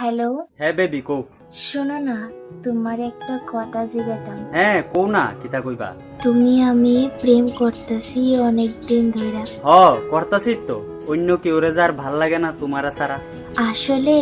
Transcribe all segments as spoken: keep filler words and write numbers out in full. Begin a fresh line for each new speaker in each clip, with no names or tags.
Hello,
হ্যাঁ baby কও।
শোনো না, তোমার একটা কথা জিজ্ঞাতাম।
হ্যাঁ কও না, কিতা কইবা?
তুমি আমি প্রেম করতেছি অনেক দিন ধরে।
হ করতাছি তো, অন্য কেউ রে যার ভাল লাগে না তোমারা ছাড়া।
আসলে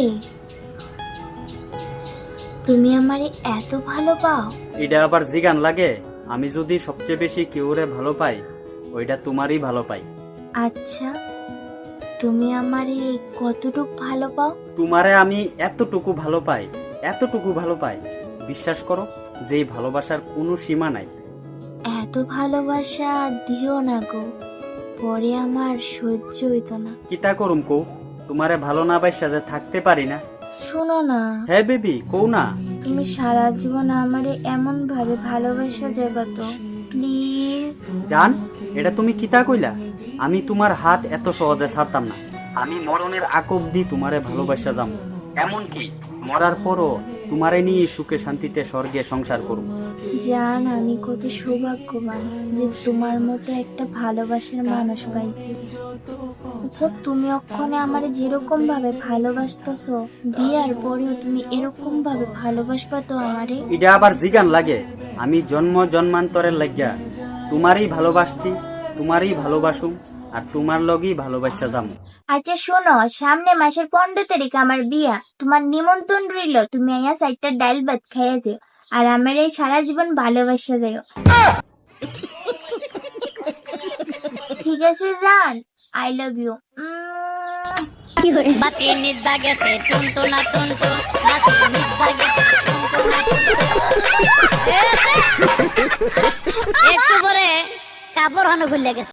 তুমি আমারে এত ভালো পাও?
এটা আবার জিগান লাগে? আমি যদি সবচেয়ে বেশি কেউ রে ভালো পাই, ওইটা তোমারই ভালো পাই।
আচ্ছা, তুমি আমারে কতটুক ভালো পাও?
তোমারে আমি এতটুকু ভালো পাই, এতটুকু ভালো পাই, বিশ্বাস করো যে এই ভালোবাসার কোনো সীমা নাই।
এত ভালোবাসা দিও না গো, পরে আমার সহ্য হইতো না।
কিতা করুম কও, তোমারে ভালো না বাইসা যে থাকতে পারি না।
শোনো না,
হ্যাঁ বেবি কও না।
তুমি সারা জীবন আমারে এমন ভাবে ভালোবাসা যাবা তো, প্লিজ।
জান, এটা তুমি কিতা কইলা? আমি তোমার হাত এত সহজে ছাড়তাম না। আমি মরণের আগ অব্দি তোমারে ভালোবাসা যাম, এমনকি মরার পরও তোমারে নিয়ে সুখে শান্তিতে স্বর্গে সংসার করব।
জান, আমি কত সৌভাগ্যবান যে তোমার মতো একটা ভালোবাসার মানুষ পাইছি। আচ্ছা, তুমি অক্ষণে আমার যেরকম ভাবে ভালোবাসতেছো, বিয়ার পরেও তুমি এরকম ভাবে ভালোবাসবা তো আমারে?
এটা আবার জিগান লাগে? আমি জন্ম জন্মান্তরের লাগিয়া তোমারই ভালোবাসছি, তোমারই ভালোবাসুম, আর তোমার লগেই ভালোবাসা যাম।
আচ্ছা শোনো, সামনে মাসের পনেরো তারিখ আমার বিয়া, তোমার নিমন্ত্রণ রইল। তুমি আইয়া সাইডটা ডাল ভাত খাইয়া যেও, আর আমার এই সারা জীবন ভালোবাসা যাও। ঠিক আছে জান, আই লাভ ইউ।
বাতি নিদ্রা গেছে টুনটু না টুনটু, বাতি নিদ্রা গেছে টুনটু না টুনটু। একটু পরে কাপড় হানো খুলে গেছে।